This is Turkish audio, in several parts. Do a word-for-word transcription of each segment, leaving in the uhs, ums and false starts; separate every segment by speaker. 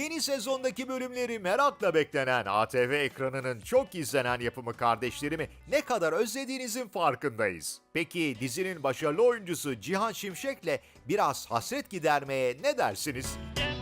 Speaker 1: Yeni sezondaki bölümleri merakla beklenen A T V ekranının çok izlenen yapımı Kardeşlerimi ne kadar özlediğinizin farkındayız. Peki dizinin başarılı oyuncusu Cihan Şimşek'le biraz hasret gidermeye ne dersiniz?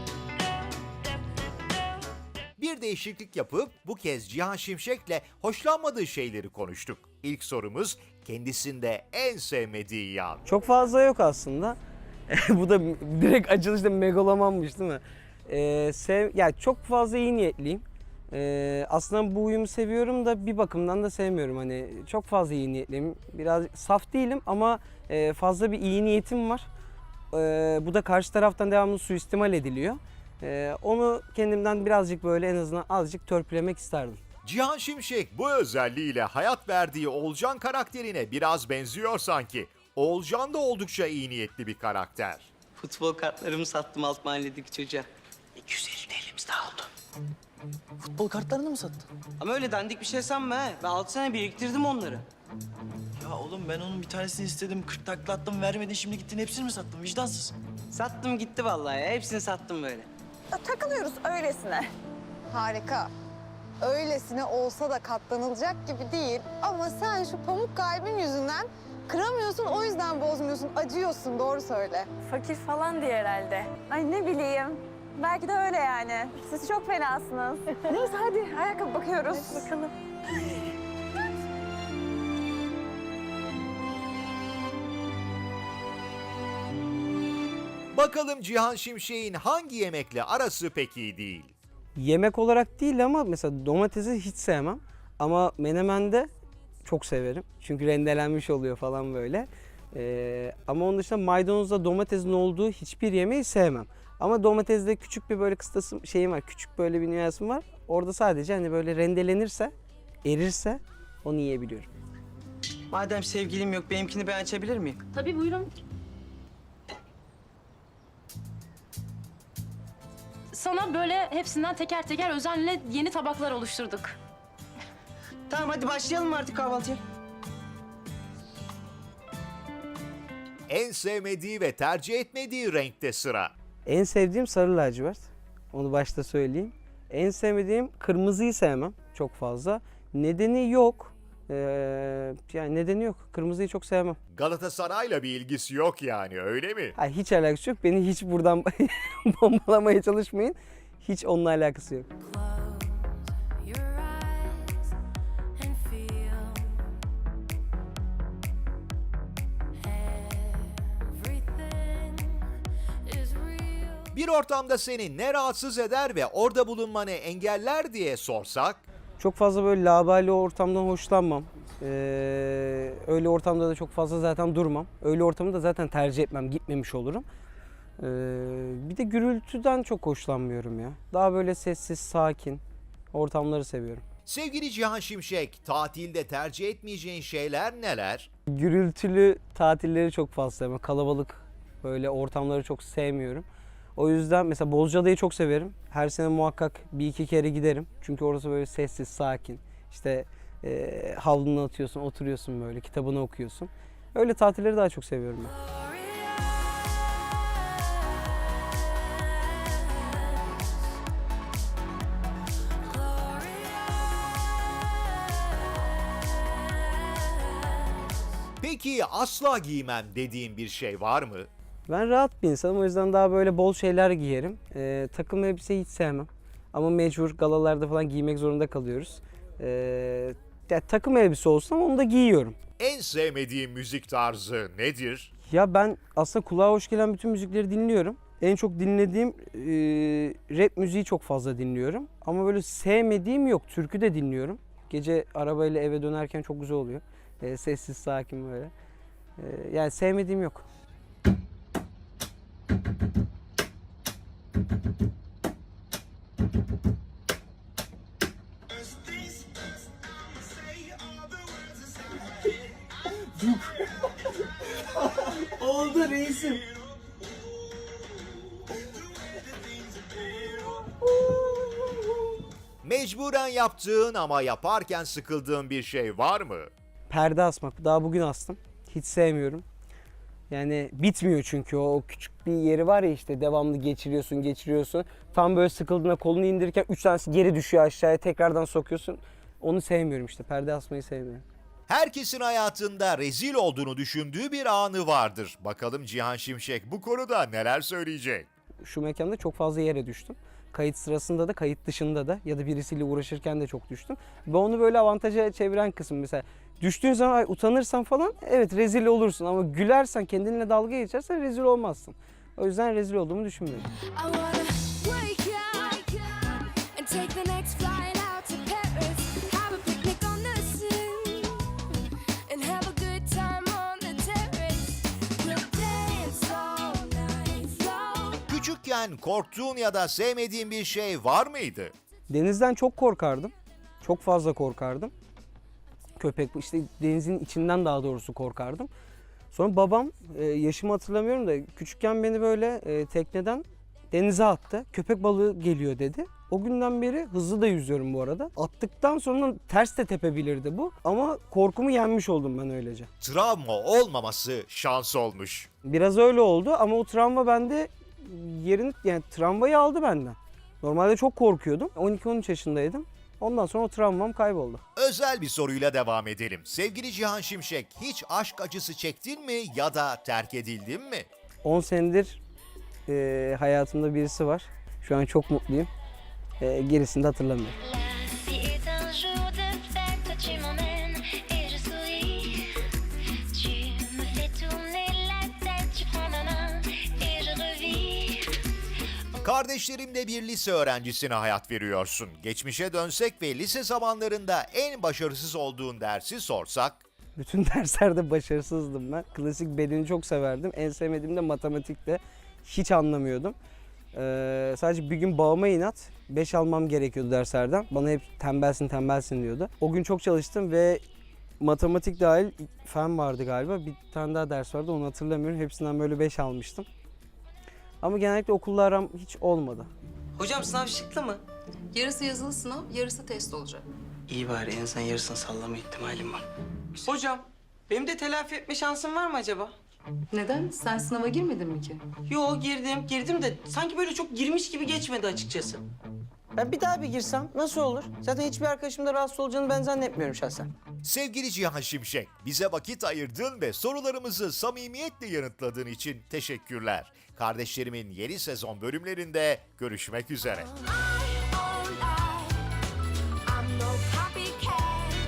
Speaker 1: Bir değişiklik yapıp bu kez Cihan Şimşek'le hoşlanmadığı şeyleri konuştuk. İlk sorumuz kendisinde en sevmediği yan.
Speaker 2: Çok fazla yok aslında. Bu da direkt açılışta megalomanmış değil mi? Ee, sev, yani çok fazla iyi niyetliyim. Ee, aslında bu uyumu seviyorum da bir bakımdan da sevmiyorum. Hani çok fazla iyi niyetliyim. Biraz saf değilim ama e, fazla bir iyi niyetim var. Ee, bu da karşı taraftan devamlı suistimal ediliyor. Ee, onu kendimden birazcık böyle en azından azıcık törpülemek isterdim.
Speaker 1: Cihan Şimşek bu özelliğiyle hayat verdiği Oğulcan karakterine biraz benziyor sanki. Oğulcan da oldukça iyi niyetli bir karakter.
Speaker 3: Futbol kartlarımı sattım alt mahalledeki çocuğa. iki yüz elli elimiz daha oldu.
Speaker 4: Futbol kartlarını mı sattın?
Speaker 3: Ama öyle dandik bir şey sanma he. Ben altı sene biriktirdim onları.
Speaker 4: Ya oğlum ben onun bir tanesini istedim, kırk takla attım, vermedin, şimdi gittin hepsini mi sattın? Vicdansız.
Speaker 3: Sattım gitti vallahi ya. Hepsini sattım böyle.
Speaker 5: Ya, takılıyoruz öylesine. Harika. Öylesine olsa da katlanılacak gibi değil. Ama sen şu pamuk kalbin yüzünden kıramıyorsun, o yüzden bozmuyorsun. Acıyorsun, doğru söyle.
Speaker 6: Fakir falan diye herhalde.
Speaker 5: Ay ne bileyim. Belki de öyle yani. Siz çok fenasınız. Neyse hadi ayakkabı bakıyoruz.
Speaker 6: Bakalım.
Speaker 1: Bakalım Cihan Şimşek'in hangi yemekle arası pek iyi değil?
Speaker 2: Yemek olarak değil ama mesela domatesi hiç sevmem. Ama menemende çok severim. Çünkü rendelenmiş oluyor falan böyle. Ee, ama onun dışında maydanozla domatesin olduğu hiçbir yemeği sevmem. Ama domatesde küçük bir böyle kıstasım şeyim var. Küçük böyle bir nüansım var. Orada sadece hani böyle rendelenirse, erirse onu yiyebiliyorum.
Speaker 3: Madem sevgilim yok benimkini ben açabilir miyim?
Speaker 6: Tabii buyurun. Sana böyle hepsinden teker teker özenle yeni tabaklar oluşturduk.
Speaker 3: Tamam hadi başlayalım mı artık kahvaltıya?
Speaker 1: En sevmediği ve tercih etmediği renkte sıra.
Speaker 2: En sevdiğim sarı lacivert. Onu başta söyleyeyim. En sevmediğim kırmızıyı sevmem çok fazla. Nedeni yok. Ee, yani nedeni yok. Kırmızıyı çok sevmem.
Speaker 1: Galatasaray'la bir ilgisi yok yani, öyle mi?
Speaker 2: Ha, hiç alakası yok. Beni hiç buradan bombalamaya çalışmayın. Hiç onunla alakası yok.
Speaker 7: Your eyes and feel everything is real.
Speaker 1: Bir ortamda seni ne rahatsız eder ve orada bulunmanı engeller diye sorsak?
Speaker 2: Çok fazla böyle laubali ortamdan hoşlanmam. Ee, öyle ortamda da çok fazla zaten durmam. Öyle ortamı da zaten tercih etmem, gitmemiş olurum. Ee, bir de gürültüden çok hoşlanmıyorum ya. Daha böyle sessiz, sakin ortamları seviyorum.
Speaker 1: Sevgili Cihan Şimşek, tatilde tercih etmeyeceğin şeyler neler?
Speaker 2: Gürültülü tatilleri çok fazla sevmem. Kalabalık böyle ortamları çok sevmiyorum. O yüzden mesela Bozcaada'yı çok severim. Her sene muhakkak bir iki kere giderim. Çünkü orası böyle sessiz, sakin. İşte e, havlunu atıyorsun, oturuyorsun böyle, kitabını okuyorsun. Öyle tatilleri daha çok seviyorum ben.
Speaker 1: Peki asla giymem dediğin bir şey var mı?
Speaker 2: Ben rahat bir insanım, o yüzden daha böyle bol şeyler giyerim. E, takım elbise hiç sevmem. Ama mecbur galalarda falan giymek zorunda kalıyoruz. E, ya, takım elbise olsa onu da giyiyorum.
Speaker 1: En sevmediğin müzik tarzı nedir?
Speaker 2: Ya ben aslında kulağa hoş gelen bütün müzikleri dinliyorum. En çok dinlediğim e, rap müziği çok fazla dinliyorum. Ama böyle sevmediğim yok. Türkü de dinliyorum. Gece arabayla eve dönerken çok güzel oluyor. E, sessiz, sakin böyle. E, yani sevmediğim yok.
Speaker 4: Oldu reisim.
Speaker 1: Mecburen yaptığın ama yaparken sıkıldığın bir şey var mı?
Speaker 2: Perde asmak. Daha bugün astım. Hiç sevmiyorum. Yani bitmiyor çünkü o küçük bir yeri var ya işte devamlı geçiriyorsun geçiriyorsun. Tam böyle sıkıldığında kolunu indirirken üç tanesi geri düşüyor aşağıya tekrardan sokuyorsun. Onu sevmiyorum işte perde asmayı sevmiyorum.
Speaker 1: Herkesin hayatında rezil olduğunu düşündüğü bir anı vardır. Bakalım Cihan Şimşek bu konuda neler söyleyecek?
Speaker 2: Şu mekanda çok fazla yere düştüm. Kayıt sırasında da kayıt dışında da ya da birisiyle uğraşırken de çok düştüm. Ve onu böyle avantaja çeviren kısım mesela. Düştüğün zaman ay, utanırsan falan evet rezil olursun ama gülersen kendinle dalga geçersen rezil olmazsın. O yüzden rezil olduğumu düşünmüyorum.
Speaker 7: I wanna wake up and take the next flight out to Paris. Have a picnic on the Seine and have a good time on the terrace. We'll dance all night long.
Speaker 1: Küçükken korktuğun ya da sevmediğin bir şey var mıydı?
Speaker 2: Denizden çok korkardım. Çok fazla korkardım. Köpek işte denizin içinden daha doğrusu korkardım. Sonra babam e, yaşımı hatırlamıyorum da küçükken beni böyle e, tekneden denize attı. Köpek balığı geliyor dedi. O günden beri hızlı da yüzüyorum bu arada. Attıktan sonra ters de tepebilirdi bu. Ama korkumu yenmiş oldum ben öylece.
Speaker 1: Travma olmaması şans olmuş.
Speaker 2: Biraz öyle oldu ama o travma bende yerini yani travmayı aldı benden. Normalde çok korkuyordum. on iki on üç yaşındaydım. Ondan sonra o travmam kayboldu.
Speaker 1: Özel bir soruyla devam edelim. Sevgili Cihan Şimşek, hiç aşk acısı çektin mi ya da terk edildin mi?
Speaker 2: on senedir e, hayatımda birisi var. Şu an çok mutluyum. E, gerisini de hatırlamıyorum.
Speaker 8: La vie est un jour de fête, tu m'emmènes et je souris. Tu me fais tourner la tête, tu prends ma main et je revis.
Speaker 1: Kardeşlerimle bir lise öğrencisine hayat veriyorsun. Geçmişe dönsek ve lise zamanlarında en başarısız olduğun dersi sorsak?
Speaker 2: Bütün derslerde başarısızdım ben. Klasik bedeni çok severdim. En sevmediğim de matematikte. Hiç anlamıyordum. Ee, sadece bir gün babama inat beş almam gerekiyordu derslerden. Bana hep tembelsin tembelsin diyordu. O gün çok çalıştım ve matematik dahil fen vardı galiba. Bir tane daha ders vardı onu hatırlamıyorum. Hepsinden böyle beş almıştım. Ama genellikle okulla aram hiç olmadı.
Speaker 3: Hocam sınav şıklı mı?
Speaker 9: Yarısı yazılı sınav, yarısı test olacak.
Speaker 3: İyi bari en azından yarısını sallama ihtimalim var. Hocam benim de telafi etme şansım var mı acaba?
Speaker 9: Neden? Sen sınava girmedin mi ki?
Speaker 3: Yo girdim, girdim de sanki böyle çok girmiş gibi geçmedi açıkçası. Ben bir daha bir girsem nasıl olur? Zaten hiçbir arkadaşım da rahatsız olacağını ben zannetmiyorum şahsen.
Speaker 1: Sevgili Cihan Şimşek, bize vakit ayırdın ve sorularımızı samimiyetle yanıtladığın için teşekkürler. Kardeşlerimin yeni sezon bölümlerinde görüşmek üzere.